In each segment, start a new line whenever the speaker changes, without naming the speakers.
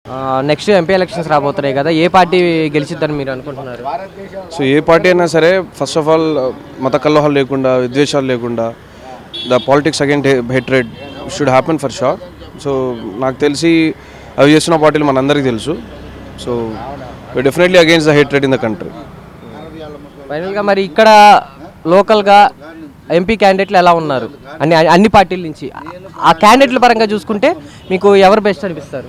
Next MP elections రాబోతున్నాయి కదా, ఏ party గెలిచిద్దని మీరు అనుకుంటున్నారు?
సో ఏ పార్టీ అయినా సరే ఫస్ట్ ఆఫ్ ఆల్ మత కలహాలు లేకుండా, విద్వేషాలు లేకుండా, the politics again hatred should happen for sure. So నాకు తెలిసి అవి చేస్తున్న పార్టీలు మనందరికీ తెలుసు. So definitely against the hatred in the country.
ఫైనల్గా మరి ఇక్కడ లోకల్గా ఎంపీ క్యాండిడేట్లు ఎలా ఉన్నారు అన్ని పార్టీల నుంచి? ఆ క్యాండిడేట్ల పరంగా చూసుకుంటే మీకు ఎవరు బెస్ట్ అనిపిస్తారు?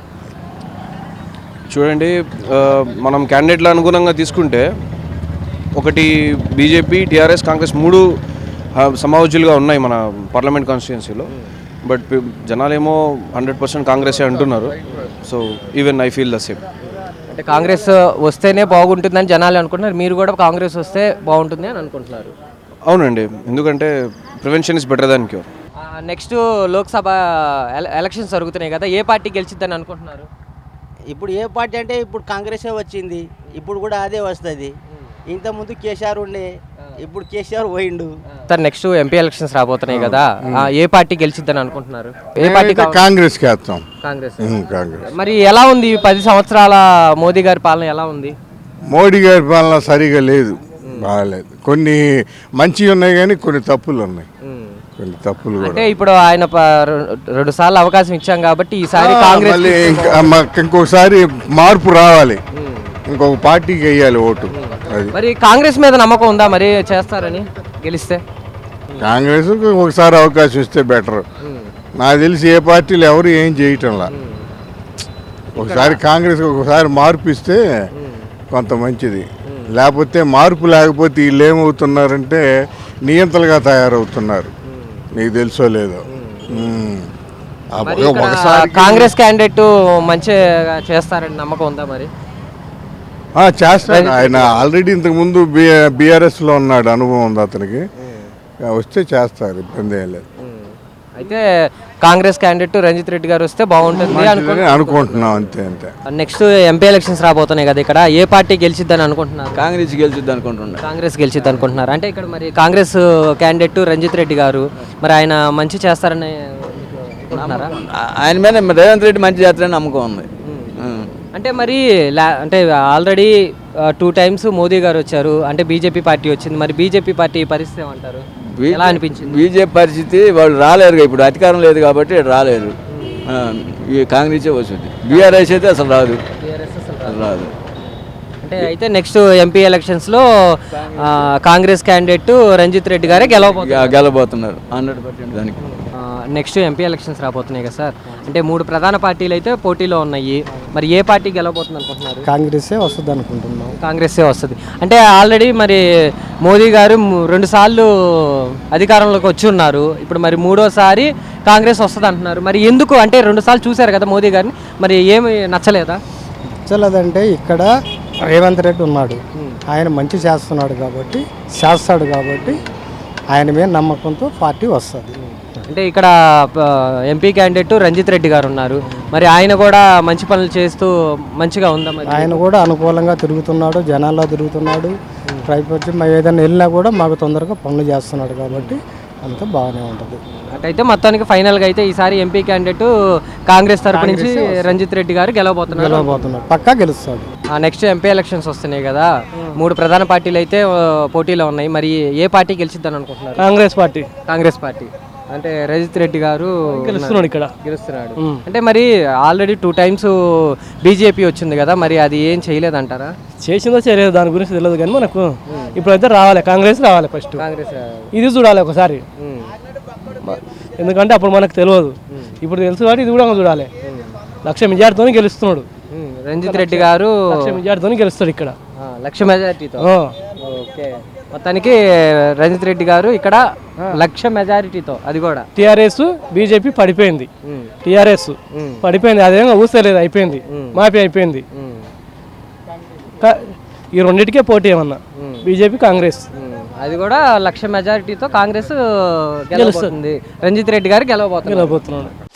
చూడండి, మనం క్యాండిడేట్ల అనుగుణంగా తీసుకుంటే ఒకటి బీజేపీ, టీఆర్ఎస్, కాంగ్రెస్ మూడు సమావజులుగా ఉన్నాయి మన పార్లమెంట్ కాన్స్టిట్యున్సీలో. బట్ జనాలేమో 100% కాంగ్రెసే అంటున్నారు. So even I feel the same.
అంటే కాంగ్రెస్ వస్తేనే బాగుంటుందని జనాలు అనుకుంటున్నారు, మీరు కూడా కాంగ్రెస్ వస్తే బాగుంటుంది అని అనుకుంటున్నారు?
అవునండి, ఎందుకంటే prevention is better than cure.
Next Lok Sabha elections జరుగుతున్నాయి కదా, ఏ పార్టీ గెలిచిద్దని అనుకుంటున్నారు?
ఇప్పుడు ఏ పార్టీ అంటే ఇప్పుడు కాంగ్రెసే వచ్చింది, ఇప్పుడు కూడా అదే వస్తుంది. ఇంతకుముందు కేసీఆర్ ఉండే, ఇప్పుడు కేసీఆర్ పోయిండు.
సార్ నెక్స్ట్ ఎంపీ ఎలక్షన్స్ రాబోతున్నాయి కదా, ఏ పార్టీ గెలిచిద్దని అనుకుంటున్నారు? ఏ పార్టీ?
కాంగ్రెస్ వేస్తాం.
కాంగ్రెస్.
కాంగ్రెస్.
మరి ఎలా ఉంది 10 సంవత్సరాల మోదీ గారి పాలన ఎలా ఉంది?
మోడీ గారి పాలన సరిగా లేదు, బాగాలేదు. కొన్ని మంచివి ఉన్నాయి కానీ కొన్ని తప్పులు ఉన్నాయి. కొన్ని తప్పులు
అంటే ఇప్పుడు ఆయన 2 సార్లు అవకాశం ఇచ్చాం కాబట్టి ఈసారి కాంగ్రెస్
ఇంకొకసారి మార్పు రావాలి, ఇంకొక పార్టీకి వేయాలి ఓటు. అది
మరి కాంగ్రెస్ మీద నమ్మకం ఉందా మరి చేస్తారని గెలిస్తే?
కాంగ్రెస్ ఒకసారి అవకాశం ఇస్తే బెటర్. నాకు తెలిసి ఏ పార్టీలు ఎవరు ఏం చేయటంలా. ఒకసారి కాంగ్రెస్ ఒకసారి మార్పు ఇస్తే కొంత మంచిది. లేకపోతే మార్పు లేకపోతే వీళ్ళు ఏమవుతున్నారంటే నియంతలుగా తయారవుతున్నారు. నీకు తెలుసో లేదో.
కాంగ్రెస్ క్యాండిడేట్ మంచిగా చేస్తారని నమ్మకం ఉందా మరి?
చేస్తాడు. ఆయన ఆల్రెడీ ఇంతకుముందు బీఆర్ఎస్లో ఉన్నాడు, అనుభవం ఉంది అతనికి. వస్తే చేస్తారు, ఇబ్బంది ఏం లేదు.
అయితే కాంగ్రెస్ క్యాండిడేట్ రంజిత్ రెడ్డి గారు వస్తే బాగుంటుంది
అనుకుంటున్నాం. అంతే అంతే.
నెక్స్ట్ ఎంపీ ఎలక్షన్స్ రాబోతున్నాయి కదా, ఇక్కడ ఏ పార్టీ గెలిచిద్దని అనుకుంటున్నారు?
కాంగ్రెస్ గెలిచిద్ది అనుకుంటున్నారు.
కాంగ్రెస్ గెలిచిద్ది అనుకుంటున్నారు. అంటే ఇక్కడ మరి కాంగ్రెస్ క్యాండిడేట్ రంజిత్ రెడ్డి గారు మరి ఆయన మంచి చేస్తారని అనుకుంటున్నారా?
ఆయన మీద రేవంత్ రెడ్డి మంచి చేస్తారని నమ్మకం ఉంది.
అంటే మరి అంటే ఆల్రెడీ 2 times మోదీ గారు వచ్చారు, అంటే బీజేపీ పార్టీ వచ్చింది. మరి బీజేపీ పార్టీ పరిస్థితి ఏమంటారు? ఎలా అనిపించింది?
బీజేపీ పరిస్థితి వాళ్ళు రాలేరు, ఇప్పుడు అధికారం లేదు కాబట్టి రాలేరు. ఈ కాంగ్రెసే వస్తుంది. బీఆర్ఎస్ అయితే అసలు రాదు. రాదు.
అంటే అయితే నెక్స్ట్ ఎంపీ ఎలక్షన్స్లో కాంగ్రెస్ క్యాండిడేట్ రంజిత్ రెడ్డి గారే
గెలబోతున్నారు 100% దానికి.
నెక్స్ట్ ఎంపీ ఎలక్షన్స్ రాబోతున్నాయి కదా సార్, అంటే 3 ప్రధాన పార్టీలు అయితే పోటీలో ఉన్నాయి. మరి ఏ పార్టీ గెలవబోతుంది అనుకుంటున్నారు?
కాంగ్రెసే వస్తుంది అనుకుంటున్నాం.
కాంగ్రెసే వస్తుంది. అంటే ఆల్రెడీ మరి మోదీ గారు 2 సార్లు అధికారంలోకి వచ్చి ఉన్నారు, ఇప్పుడు మరి 3వసారి కాంగ్రెస్ వస్తుంది అంటున్నారు. మరి ఎందుకు? అంటే 2 సార్లు చూశారు కదా మోదీ గారిని, మరి ఏమి నచ్చలేదా?
నచ్చలేదంటే ఇక్కడ రేవంత్ రెడ్డి ఉన్నాడు, ఆయన మంచి చేస్తున్నాడు కాబట్టి, చేస్తాడు కాబట్టి ఆయన మీద నమ్మకంతో పార్టీ వస్తుంది.
అంటే ఇక్కడ ఎంపీ క్యాండిడేట్ రంజిత్ రెడ్డి గారు ఉన్నారు, మరి ఆయన కూడా మంచి పనులు చేస్తూ మంచిగా ఉందా? మరి
ఆయన కూడా అనుకూలంగా తిరుగుతున్నాడు, జనాల్లో తిరుగుతున్నాడు. పైపొచ్చి మేము ఏదైనా వెళ్ళినా కూడా మాకు తొందరగా పనులు చేస్తున్నాడు కాబట్టి అంతా బాగానే ఉంటుంది.
అటైతే మొత్తానికి ఫైనల్గా అయితే ఈసారి ఎంపీ క్యాండిడేట్ కాంగ్రెస్ తరపు నుంచి రంజిత్ రెడ్డి గారు గెలవబోతున్నారు.
పక్కా గెలుస్తాడు.
నెక్స్ట్ ఎంపీ ఎలక్షన్స్ వస్తున్నాయి కదా, 3 ప్రధాన పార్టీలు అయితే పోటీలో ఉన్నాయి. మరి ఏ పార్టీ గెలిచిద్దని అనుకుంటున్నారు? కాంగ్రెస్ పార్టీ. అంటే రంజిత్ రెడ్డి గారు గెలుస్తున్నాడు. అంటే మరి ఆల్రెడీ 2 times బీజేపీ వచ్చింది కదా, మరి అది ఏం చేయలేదంటారా?
చేసిందో చేయలేదు దాని గురించి తెలియదు, కానీ మనకు ఇప్పుడైతే రావాలి, కాంగ్రెస్ రావాలి. ఫస్ట్ కాంగ్రెస్ ఇది చూడాలి ఒకసారి, ఎందుకంటే అప్పుడు మనకు తెలియదు, ఇప్పుడు తెలుసు కాబట్టి ఇది కూడా చూడాలి. 1,00,000 మెజార్టీతో గెలుస్తున్నాడు
రంజిత్ రెడ్డి గారు.
1,00,000 మెజార్టీతో గెలుస్తాడు ఇక్కడ,
1,00,000 మెజార్టీతో. ఓకే, మొత్తానికి రంజిత్ రెడ్డి గారు ఇక్కడ 1,00,000 మెజారిటీతో. అది కూడా
టీఆర్ఎస్ బీజేపీ పడిపోయింది, టీఆర్ఎస్ పడిపోయింది, అదేమో ఊసలేదు, అయిపోయింది, మాఫీ అయిపోయింది. ఈ రెండింటికే పోటీ ఏమన్నా బీజేపీ కాంగ్రెస్,
అది కూడా 1,00,000 మెజారిటీతో కాంగ్రెస్ గెలవబోతుంది. రంజిత్ రెడ్డి గారు గెలవబోతున్నాడు.